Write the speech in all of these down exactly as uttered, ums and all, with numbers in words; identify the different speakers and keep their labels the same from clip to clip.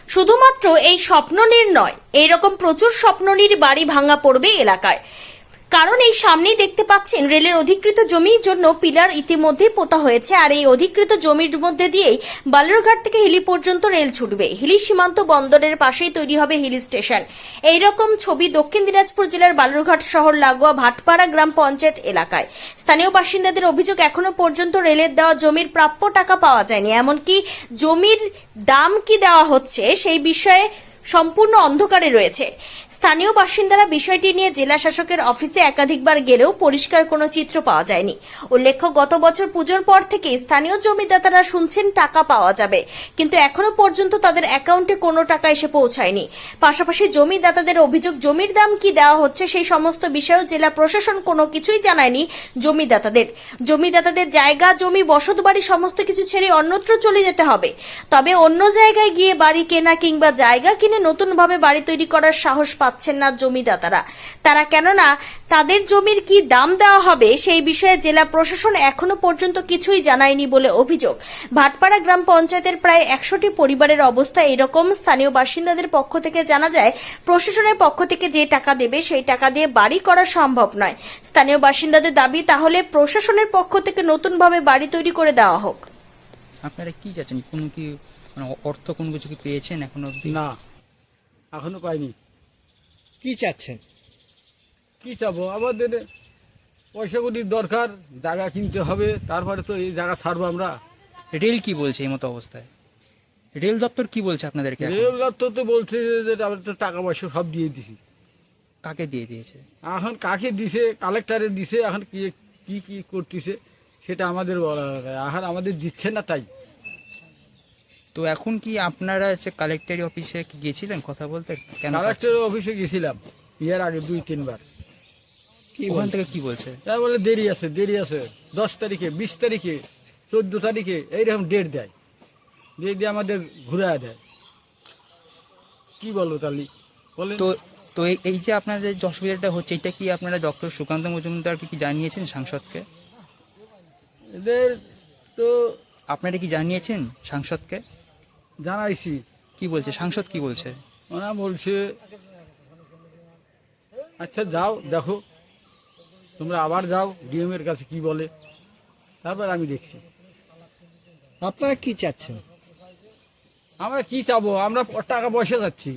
Speaker 1: শুধুমাত্র এই স্বপ্ননীর নয়, এইরকম প্রচুর স্বপ্ননীর বাড়ি ভাঙা পড়বে এলাকায়। কারণ এই সামনেই দেখতে পাচ্ছেন রেলের অধিকৃত জমির জন্য পিলার ইতিমধ্যে পোতা হয়েছে, আর এই অধিকৃত জমির মধ্যে দিয়েই বালুরঘাট থেকে হিলি পর্যন্ত রেল ছুটবে। হিলি সীমান্ত বন্দরের পাশেই তৈরি হবে হিলি স্টেশন। এইরকম ছবি দক্ষিণ দিনাজপুর জেলার বালুরঘাট শহর লাগোয়া ভাটপাড়া গ্রাম পঞ্চায়েত এলাকায়। স্থানীয় বাসিন্দাদের অভিযোগ, এখনো পর্যন্ত রেলের দেওয়া জমির প্রাপ্য টাকা পাওয়া যায়নি, এমনকি জমির দাম কি দেওয়া হচ্ছে সেই বিষয়ে সম্পূর্ণ অন্ধকারে রয়েছে। স্থানীয় বাসিন্দারা বিষয়টি নিয়ে জেলা শাসকের অফিসে একাধিকবার গেলেও পরিষ্কার কোনো চিত্র পাওয়া যায়নি। উল্লেখ্য, গত বছর পুজোর পর থেকে স্থানীয় জমিদাতারা শুনছেন টাকা পাওয়া যাবে, কিন্তু এখনো পর্যন্ত তাদের অ্যাকাউন্টে কোনো টাকা এসে পৌঁছায়নি। পাশাপাশি জমিদাতাদের অভিযোগ, জমির দাম কি দেওয়া হচ্ছে সেই সমস্ত বিষয়েও জেলা প্রশাসন কোনো কিছুই জানায়নি জমিদাতাদের। জমিদাতাদের জায়গা, জমি, বসতবাড়ি সমস্ত কিছু ছেড়ে অন্যত্র চলে যেতে হবে। তবে অন্য জায়গায় গিয়ে বাড়ি কেনা কিংবা জায়গা কিনে নতুন ভাবে বাড়ি তৈরি করার সাহস পাচ্ছেন না জমিদাতারা। তারা কেননা তাদের জমির কি দাম দেওয়া হবে সেই বিষয়ে জেলা প্রশাসন এখনো পর্যন্ত কিছুই জানায়নি বলে অভিযোগ। ভাটপাড়া গ্রাম পঞ্চায়েতের প্রায় একশোটি পরিবারের অবস্থা এরকম। স্থানীয় বাসিন্দাদের পক্ষ থেকে জানা যায়, প্রশাসনের পক্ষ থেকে যে টাকা দেবে সেই টাকা দিয়ে বাড়ি করা সম্ভব নয়। স্থানীয় বাসিন্দাদের দাবি, তাহলে প্রশাসনের পক্ষ থেকে নতুন ভাবে বাড়ি তৈরি করে দেওয়া হোক।
Speaker 2: আপনারা কি চাচ্ছেন? কোন কি মানে অর্থ কোন কিছু কি পেয়েছেন এখনো?
Speaker 3: না, এখনো পাইনি।
Speaker 4: কি চাচ্ছেন?
Speaker 3: কি চাবো, আমাদের পয়সা কড়ির দরকার, জায়গা কিনতে হবে, তারপরে তো এই জায়গা ছাড়বো আমরা।
Speaker 2: রেল কি বলছে এই মতো অবস্থায়? রেল দপ্তর কি বলছে আপনাদেরকে এখন?
Speaker 3: রেল দপ্তর তো বলছে যে আমরা তো টাকা পয়সা সব দিয়ে দিছি।
Speaker 2: কাকে দিয়ে দিয়েছে?
Speaker 3: এখন কাকে দিছে, কালেক্টরে দিছে, এখন কি কি কি করতেছে সেটা আমাদের বলা যায়। এখন আমাদের দিচ্ছে না, তাই।
Speaker 2: তো এখন কি আপনারা হচ্ছে কালেক্টরি অফিসে কি গিয়েছিলেন কথা বলতে? কেন
Speaker 3: কালেক্টর অফিসে গেছিলাম ইয়ার আগে দুই তিনবার।
Speaker 2: কি ওখান থেকে কি বলছে?
Speaker 3: তাই বলে দেরি আছে, দেরি আছে, দশ তারিখে, বিশ তারিখে, চোদ্দ তারিখে এইরকম ডেট দেয়, ডেট দিয়ে আমাদের ঘুরে দেয়। কি বলবো তাহলে বলেন?
Speaker 2: তো তো এই- এই যে আপনাদের যে অসুবিধাটা হচ্ছে, এটা কি আপনারা ডক্টর সুকান্ত মজুমদারকে কি জানিয়েছেন, সাংসদকে?
Speaker 3: এদের তো
Speaker 2: আপনারা কি জানিয়েছেন সাংসদকে?
Speaker 3: জানাইছি।
Speaker 2: কি বলছে সাংসদ? কি বলছে?
Speaker 3: ওরা বলছে আচ্ছা যাও দেখো, তোমরা আবার যাও ডিএম এর কাছে কি বলে, তারপর আমি দেখছি।
Speaker 4: আপনারা কি চাচ্ছেন?
Speaker 3: আমরা কি চাবো, আমরা টাকা পয়সা যাচ্ছি,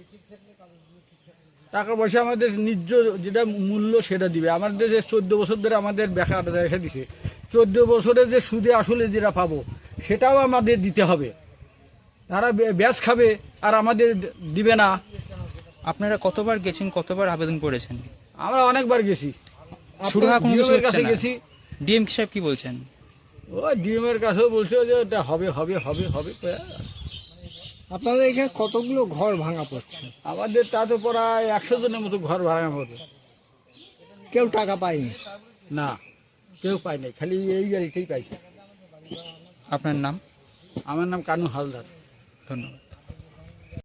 Speaker 3: টাকা পয়সা আমাদের নিজ যেটা মূল্য সেটা দিবে। আমাদের যে চোদ্দ বছর ধরে আমাদের বেকার রেখে দিছে, চোদ্দ বছরে যে সুদে আসলে যেটা পাবো সেটাও আমাদের দিতে হবে। তারা ব্যাস খাবে আর আমাদের দিবে না।
Speaker 2: আপনারা কতবার গেছেন, কতবার আবেদন করেছেন?
Speaker 3: আমরা অনেকবার গেছি,
Speaker 2: শুরু হওয়া কোনো কিছু
Speaker 3: ডিএম এর
Speaker 2: হচ্ছে
Speaker 3: কাছে
Speaker 2: না।
Speaker 3: গেছি।
Speaker 2: ডিএম সাহেব কি বলছেন?
Speaker 3: ও ডিএম এর কাছেও বলছে যে এটা হবে হবে হবে হবে।
Speaker 4: আপনাদের এখানে কতগুলো ঘর ভাঙা পড়ছে?
Speaker 3: আমাদের তা তো প্রায় একশো জনের মতো ঘর ভাড়া মতো।
Speaker 4: কেউ টাকা পায়নি?
Speaker 3: না, কেউ পায় নাই, খালি এই গাড়িটাই পাইছে।
Speaker 2: আপনার নাম?
Speaker 3: আমার নাম কানু হালদার।
Speaker 2: ধন্যবাদ।